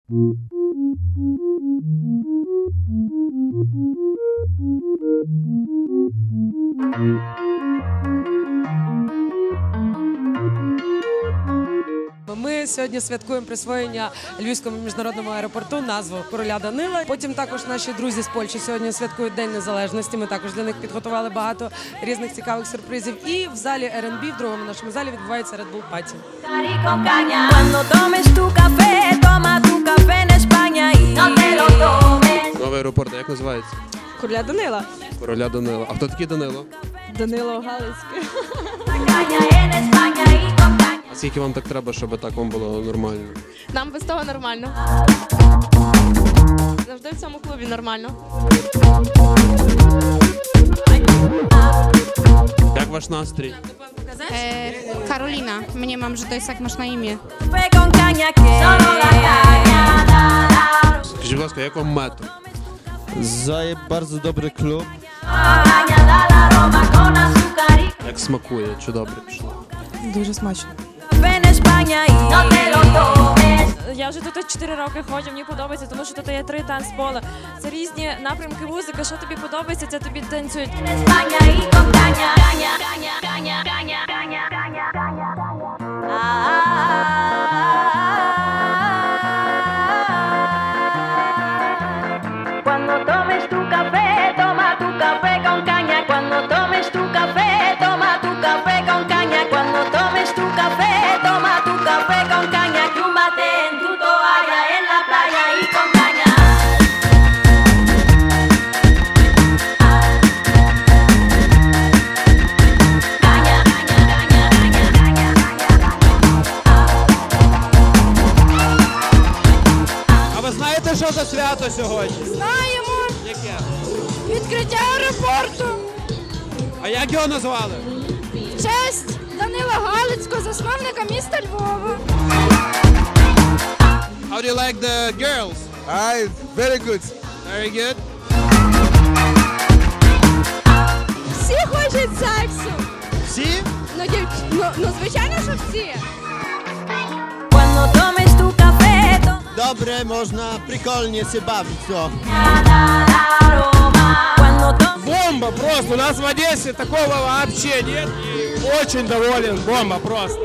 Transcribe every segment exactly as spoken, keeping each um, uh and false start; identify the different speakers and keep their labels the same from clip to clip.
Speaker 1: Ми сьогодні святкуємо присвоєння Львівському міжнародному аеропорту назву Короля Данила. Потім також наші друзі з Польщі сьогодні святкують День Незалежності. Ми також для них підготували багато різних цікавих сюрпризів. І в залі ар енд бі, в другому нашому залі, відбувається Red Bull Party.
Speaker 2: Новий аеропорт, як називається?
Speaker 1: Короля Данила.
Speaker 2: Короля Данила. А хто такий Данило?
Speaker 1: Данило Галицький.
Speaker 2: А скільки вам так треба, щоб так вам було нормально?
Speaker 3: Нам без того нормально. Завжди в цьому клубі нормально.
Speaker 2: Як ваш настрій?
Speaker 4: E, Karolina, mnie mam, że to jest jak masz na imię.
Speaker 2: Скажіть, будь ласка, як вам метро?
Speaker 5: Zaje bardzo dobry klub.
Speaker 2: Як смакує? Чи добре пішло?
Speaker 1: Дуже смачно.
Speaker 6: Я вже тут чотири роки ходжу, мені подобається, тому що тут є три танцполи. Це різні напрямки музики, що тобі подобається, це тобі танцюють.
Speaker 7: Що за свято сьогодні?
Speaker 8: Знаємо!
Speaker 7: Яке?
Speaker 8: Відкриття аеропорту!
Speaker 7: А як його назвали?
Speaker 8: В честь Данила Галицького, засновника міста Львова.
Speaker 7: How do you like the girls?
Speaker 5: Hi, very good.
Speaker 7: Very good.
Speaker 8: Всі хочуть сексу!
Speaker 7: Всі?
Speaker 8: Ну, дів... ну, ну звичайно, що всі!
Speaker 5: Dobre, można прикольnie się bawić, co?
Speaker 7: Бомба просто! У нас в Одессе такого вообще нет. И очень доволен. Бомба просто.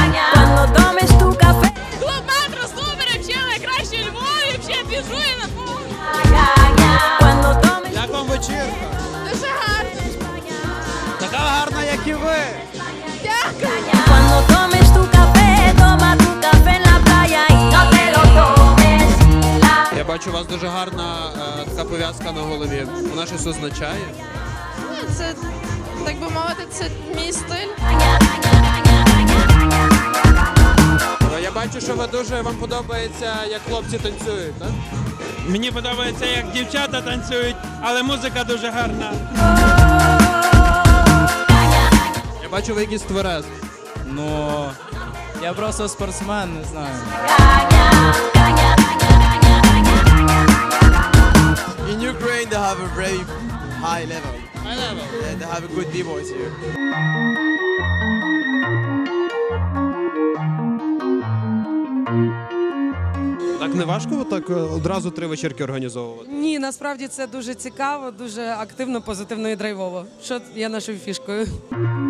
Speaker 6: Клуб метро супер, взагалі найкраще у Львові, взагалі біжує на пол.
Speaker 7: Як вам вечірка?
Speaker 8: Дуже гарно!
Speaker 7: Така гарна, як і ви.
Speaker 8: Дякую!
Speaker 2: Я бачу, у вас дуже гарна е, така пов'язка на голові. Вона щось означає?
Speaker 3: Ну, це, так би мовити, це мій стиль.
Speaker 2: Е, Я бачу, що ви дуже вам подобається, як хлопці танцюють, так?
Speaker 7: Мені подобається, як дівчата танцюють, але музика дуже гарна.
Speaker 2: Я бачу, ви якийсь тверез.
Speaker 9: Ну, я просто спортсмен, не знаю.
Speaker 5: In Ukraine they have a very high level.
Speaker 2: High level.
Speaker 5: Yeah, they have a good b-boys here.
Speaker 2: Так не важко так одразу три вечірки організовувати?
Speaker 1: Ні, насправді це дуже цікаво, дуже активно, позитивно і драйвово. Що є нашою фішкою.